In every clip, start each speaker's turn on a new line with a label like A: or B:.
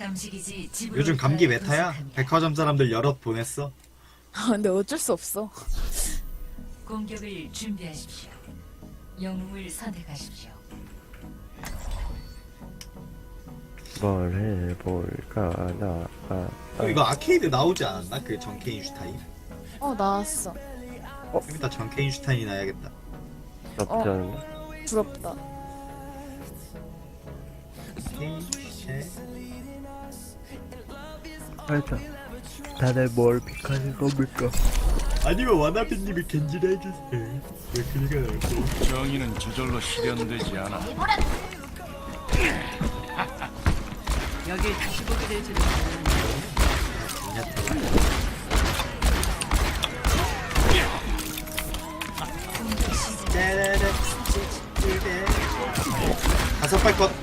A: 깜깜식이지 집으로
B: 요즘 감기 메타야?
A: 도착합니다.
B: 백화점 사람들 여럿 보냈어.
C: 근데 어쩔 수 없어.
A: 공격을 준비하십시오. 영웅을 선택하십시오.
D: 뭘 해볼까
B: 이거 아케이드 나오지 않았나? 그 정케인슈타인?
C: 나왔어.
B: 좀 이따 정케인슈타인이 나야겠다.
D: 나쁘지 않은데?
C: 부럽다.
D: 하여튼 다들 뭘 픽하실 겁니까?
B: 아니면 와나비님이 겐지를 해주세요. 왜 그니가 나고?
E: 정의는 저절로 실현되지 않아.
A: 여길 다시 보게 될 줄은
B: 다섯 발 것.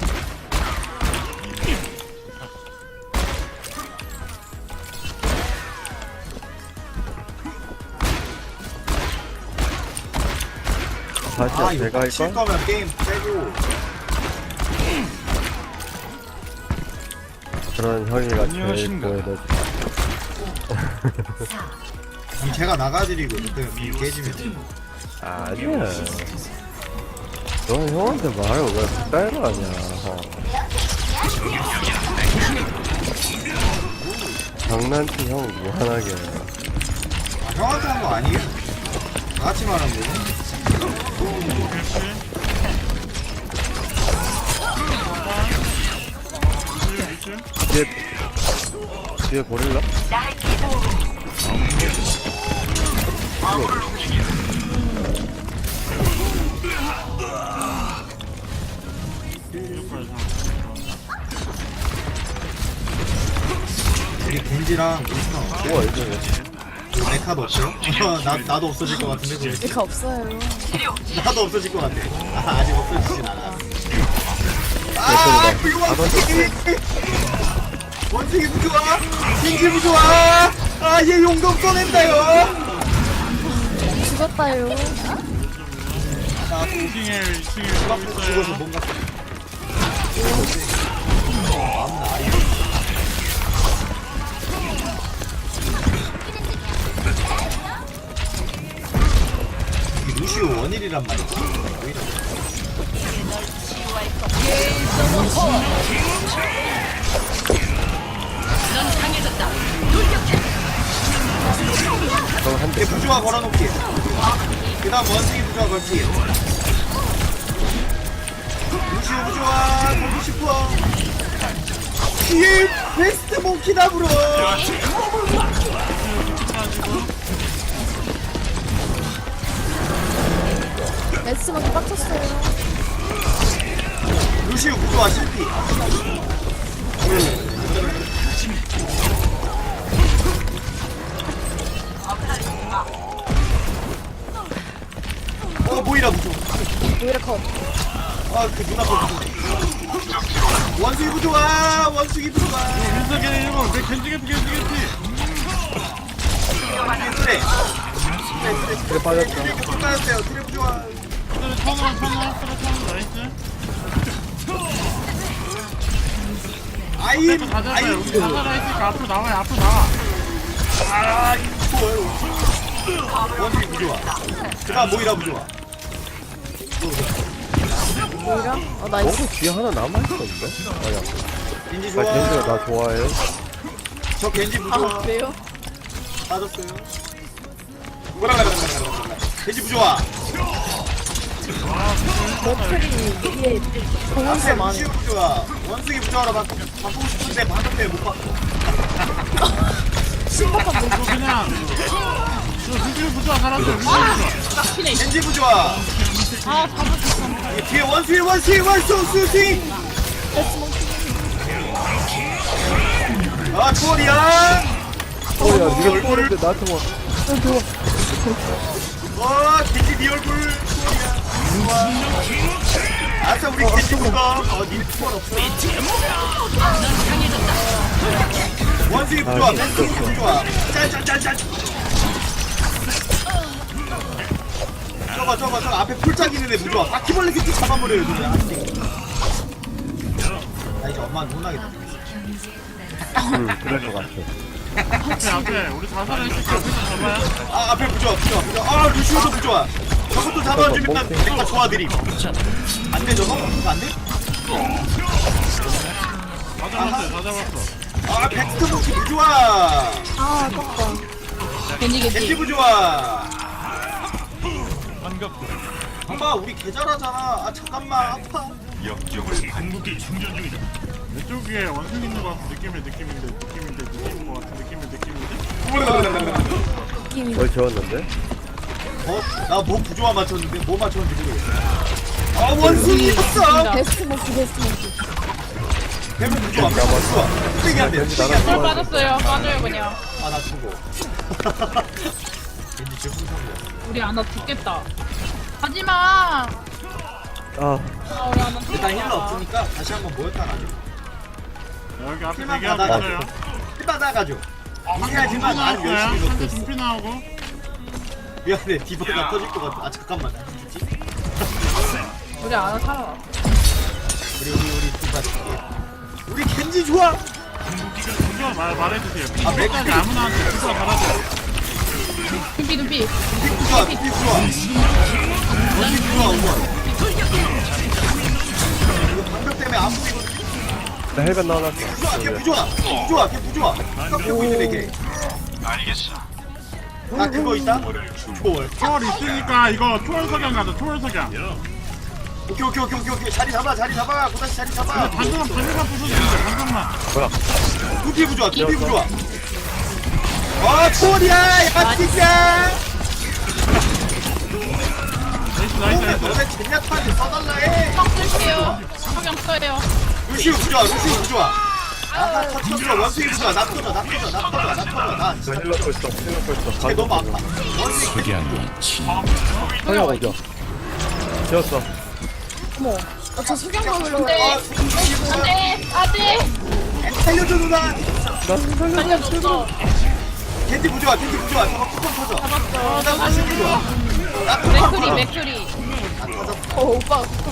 D: 사실
B: 이거
D: 내가
B: 칠
D: 할까?
B: 거면 게임 빼고.
D: 그런 형이가 제일
E: 안녕하신가?
D: 보여줘.
B: 그럼 제가 나가드리고 그 깨지면.
D: 아니야. 너 형한테 말을 왜 그따위로 하냐. 장난치 형 무한하게.
B: 형한테 한 거 아니에요? 다 같이 말하는 거고.
D: 뒤에 고릴라?
B: 우리 겐지랑 윈스턴
D: 우와 이제
B: 그 메카도 없어요? 나도 없어질 것 같은데 그래.
C: 이거 없어요.
B: 나도 없어질 것 같아. 아직 없어지진 않아. 그 원숭이 부좋아. 겐지 부좋아. 얘 용감 써낸다요.
C: 죽었다요.
B: 죽어서 뭔가. 루시오 원일이란 말이야.
D: 그럼 한 대.
B: 부조화 걸어놓기. 그 다음 원숭이 부조화 걸기. 루시오 부조화 걸고 싶어. 뒤에 베스트 몽키다 불어.
C: 매스만 빡쳤어요.
B: 루시오 부조화 실패. 모이라 부조화.
C: 오히려 컷.
B: 그 누나 거 부조화. 원숭이 부조화. 원숭이 부조화.
E: 윤석열 일본 내 견지겠지.
B: 그래.
D: 그래 빠졌다.
B: 끝났어요. 트랩 부조화.
E: 턴으로 나이스.
B: 아임.
E: 다 잡아요. 우리 다 살아있으니까 앞으로 나와요. 앞으로 나와.
B: 원숭이 부조화. 그 다음 모이라 부조화.
C: 오히려? 나이스.
D: 너도 뒤에 하나 남아있었는데? 아니야.
B: 겐지
D: 아
B: 좋아.
D: 겐지가 나 좋아해.
B: 저 겐지 부조화.
C: 그래요?
B: 빠졌어요. 겐지 부조화.
C: 머플이 위에 공원수
B: 앞에
C: 많아.
B: 루시오 부조화. 원숭이 부조화로 바꾸고 싶은데 방금 때문에 못 바꿔.
C: 신박한 모습.
E: 저 그냥 저 루시오 부조화 살았어.
B: 겐지 부조화. 뒤에 원숭이. 초월이야.
D: 어야 니가 또는데 나한테 뭐
B: 겐지 네 얼굴. 초월이야. 아싸 우리 겐지 부가. 니네 초월 없어. 원숭이 부조화. 겐지 부조화. 짠. 저거 앞에 풀짝 있는 애 부조화. 바퀴벌레 새끼 잡아버려요 그냥. 나 이제 엄마한테 혼나겠다.
A: 경제 부담
D: 그럴 것 같아.
E: 앞에 우리 다 살아있으니까 앞에 좀 잡아요.
B: 아 앞에 부좋아. 아 루시오도 부좋아. 저것도 잡아주면 내가 좋아드림. 안돼 저거? 안 돼?
E: 다 잡았어요, 다 잡았어.
B: 아 팩스트 무기 부좋아.
C: 아 아깝다.
B: 겐지
C: 겐지
B: 부좋아. 엄마 우리 개잘하잖아. 아 잠깐만 아파.
E: 왼쪽에 원숭이 있는 것 같은 느낌인데 느낌인 것 같은 느낌인데
C: 느낌이
D: 뭘 지웠는데?
B: 나 뭐 부조화 맞췄는데 뭐 맞췄는지 모르겠어. 아 원숭이 있어.
C: 베스트 모키 베스트 모키.
B: 대문 부조화. 부조화. 뚝배기 한 대.
D: 왠지
B: 뚝배기
D: 나랑
B: 한 대.
F: 빠졌어요. 빠져요 그냥.
B: 아나 죽어. 왠지 지금 상이야.
F: 우리 아나 죽겠다. 하지마.
D: 아,
F: 우리 아나
B: 일단 힐러 없으니까 다시 한번 모였다 가죠.
E: 여기 앞에
B: 힐만
E: 대기하고
B: 받아가죠.
E: 있어요.
B: 힐 받아가죠.
E: 상대
B: 이해하지만 나는 열심히
E: 상대
B: 넣고 있어.
E: 준비 나오고.
B: 미안해 디버가 터질 것 같아. 아 잠깐만. 누구지?
F: 우리 아나 살아.
B: 우리 디바. 우리 겐지 좋아.
E: 먼저 말해주세요.
B: 아,
E: 삐까지 아무나한테 주소가 달아줘요.
F: 눈빛 눈빛.
B: 픽 좋아. 픽 좋아. 원숭이 좋아. 우와. 이거 방벽 때문에 안 보이거든.
D: 나 헬멧 넣어놨어.
B: 걔 부좋아. 걔 부좋아. 깜짝 보이네 걔. 알겠어. 아 그거 있다? 초월.
E: 초월 있으니까 이거 초월 석양 가자. 초월 석양.
B: 오케이. 자리 잡아. 고다시 자리 잡아.
E: 반성만 부숴주세요. 반성만.
B: 두피 부좋아. 와 초월이야. 야 진짜.
E: 나이스.
B: 너네 젠야타한테 써달라 해.
F: 성 쓸게요. 성경 써요.
B: 루시우 부좋아. 나 터져. 원숭이 부좋아. 나 터져. 나
D: 힐러 거 있어.
B: 걔 너무 아파. 원숭이
D: 성형 어디야? 지웠어.
C: 어머. 저 석양 먹으려고.
F: 네. 안돼 안돼.
B: 살려줘 누나.
F: 살려줬어.
B: 겐지 부좋아. 저거 뚜껑 터져. 나 원숭이 부좋아. 나 뚜껑 터져.
F: 맥크리.
C: 오빠.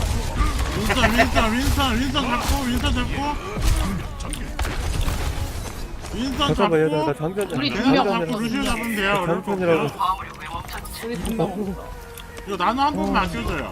E: 윈선
D: 잠깐만, 얘들아, 나
E: 잡고
D: 장전 좀.
F: 우리 두 명
E: 잡고 루시오 잡으면 돼요.
D: 장전이라고.
F: 우리 두명
E: 이거 나노 한 번만 아껴줘요.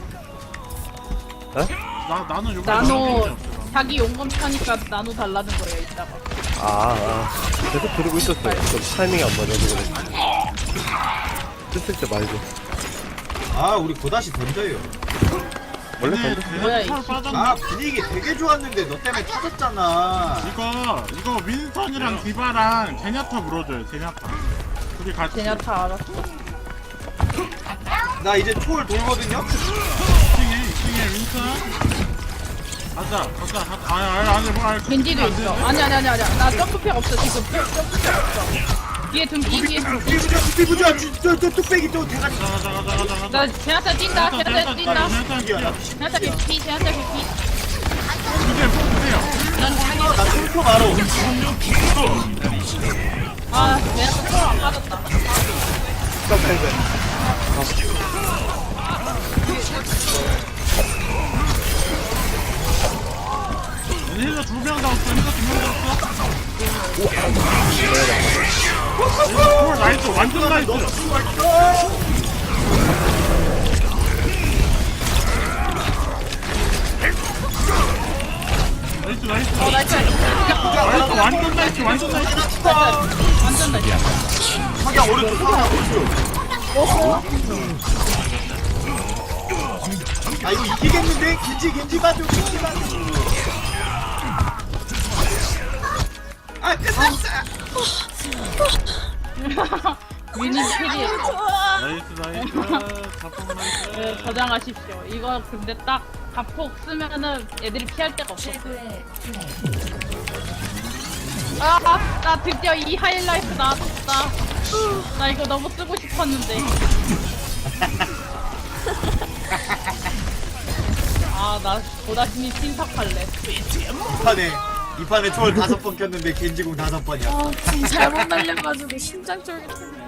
D: 어?
E: 나노 요거
F: 나노 자기 용검 차니까 나노 달라는 거예요 이따가.
D: 계속 들고 있었어요. 좀 타이밍이 안 맞아서 그래. 쓸 때 말고.
B: 아 우리 고다시 던져요.
D: 원래 던져.
F: 뭐야, 이
B: 아 분위기 되게 좋았는데 너 때문에 터졌잖아.
E: 이거 윈선이랑 디바랑 제냐타 물어줘요. 제냐타. 둘이 같이.
F: 제냐타 알았어.
B: 나 이제 초월 돌거든요.
E: 2층에 윈선. 가자. 아니 뭐
F: 겐지도 있어. 아니. 나 점프팩 없어 지금. 점프팩 없어. 뒤에 등기.
B: 두피 부좋아. 저 뚝배기 또 대가리.
E: 가자.
F: 나 제냐타 뛴다. 제냐타 뛴다. 제냐타 개피. 제냐타 개피.
E: 이제 뽑으세요.
B: 나 슬퍼 바로.
F: 아 제냐타 초안 빠졌다.
E: 힐러 2명 잡았어. 나이스. 완전 나이스. 나이스.
F: 나이스.
E: 완전 나이스.
F: 완전 나이스.
B: 석양 오른쪽. 아 이거 이기겠는데? 겐지 봐줘. 아 끝났어.
F: 위니 캐리했어.
E: 나이스. 자폭 나이스.
F: 네, 저장하십시오. 이거 근데 딱 자폭 쓰면은 애들이 피할 데가 없어.
A: 최고의 플레이.
F: 나 드디어 이 하이라이트 나왔다. 나 이거 너무 쓰고 싶었는데. 나 보다시니 신석할래.
B: 이 판에 초월 5번 켰는데 겐지공 5번이야.
C: 아, 지금 잘못 날려가지고 심장 쫄깃해.